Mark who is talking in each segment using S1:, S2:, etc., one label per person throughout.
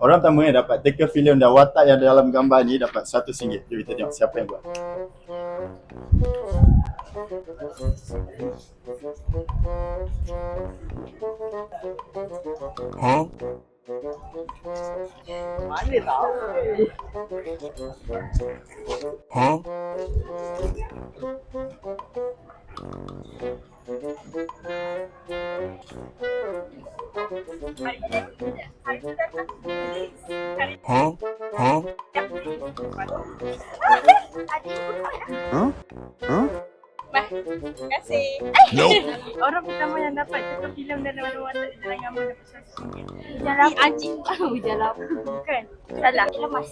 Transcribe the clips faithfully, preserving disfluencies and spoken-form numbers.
S1: Orang pertama yang dapat teka filem dan watak yang dalam gambar ni dapat seratus ringgit. Jom kita tengok siapa yang buat.
S2: Huh?
S3: Mana tahu?
S2: Huh? Huh? Huh?
S1: Huh? Huh?
S4: Bah, terima kasih.
S2: Nope.
S4: Orang pertama yang dapat teka filem dan watak di dalam gambar dapat seratus ringgit.
S5: Hujan lapu.
S4: Aji. Hujan lapu. Bukan.
S5: Salah. Lemas.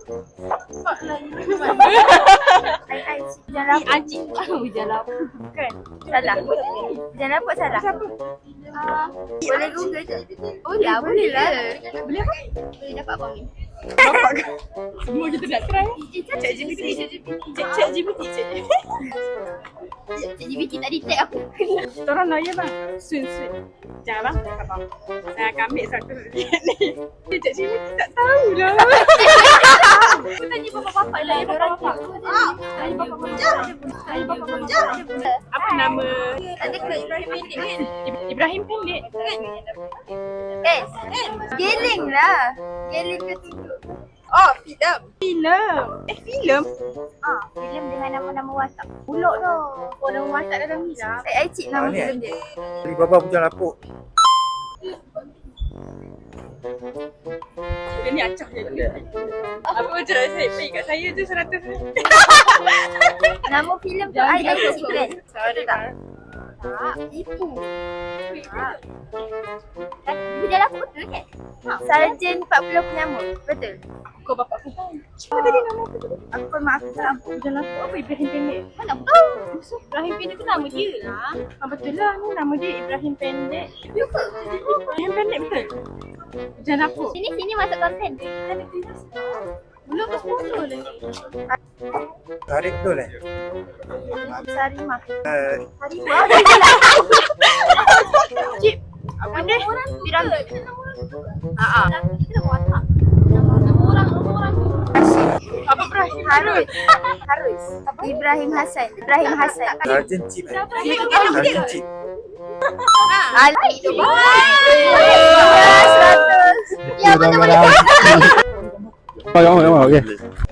S5: Ai ai hujan
S4: Ni
S5: lapu.
S4: Aji. Hujan lapu. Bukan.
S5: Salah. Hujan lapu salah.
S4: Siapa?
S5: Ah, boleh Google je. Oh ya, boleh lah.
S4: Boleh apa?
S5: Boleh dapat abang ni.
S4: Bapak ke? Semua kita nak try.
S5: Cik
S4: Cik G P T. Cik G P T. Cik G P T.
S5: Cik G P T tak detect aku.
S4: Kita orang lawyer bang. Sun sun. Jangan bang. Abang. Saya akan ambil seratus ringgit ni. Cik G P T tak tahulah. Aku tanya bapak-bapak lah. Ya bapak-bapak. Tanya bapak-bapak. Tanya bapak-bapak. Apa nama?
S5: Ada ke Ibrahim pendek kan?
S4: Ibrahim pendek.
S5: Eh, Geling lah. Geling ke tunjuk.
S4: Oh, filem. Filem. Eh, filem?
S5: Ah, filem dengan nama-nama watak. Bulok tu.
S4: Oh, nama watak dalam ni lah.
S5: Eh, I cik nama filem dia.
S3: Alibaba Hujan Lapuk.
S4: Dia ni acah je. Apa macam saya pay kat saya tu seratus ni.
S5: Nama filem tu I I cik kan?
S4: Sorry tak?
S5: Tak, tipu. Tak. Hujan lapu betul kan? Sarjan empat puluh penyamuk. Betul.
S4: Kau bapak aku tahu. Apa tadi nama aku tu?
S5: Aku pun maaf salah.
S4: Hujan lapu apa Ibrahim pendek?
S5: Mana aku tahu?
S4: Ibrahim pendek tu nama dia lah. Ah, betul lah ni nama dia Ibrahim pendek. Ibrahim pendek betul? Hujan lapu.
S5: Sini sini masuk konten.
S4: Kita ada tulis. Belum ke sepuluh lagi.
S3: Tarik betul eh?
S5: Sarimah.
S3: Uh,
S5: Sarimah.
S4: Cip. Apa ni?
S5: Piramid.
S4: Ha ah.
S5: Kita nak watak. Nama orang, nama orang tu.
S4: Apa Ibrahim?
S5: Harus. Harus. Ibrahim Hassan. Ibrahim Hassan.
S3: Sarjan Cip eh?
S4: Ibrahim
S3: Sarjan Cip.
S5: Ali. Seratus. Ya, betul-betul.
S1: Oh, okey.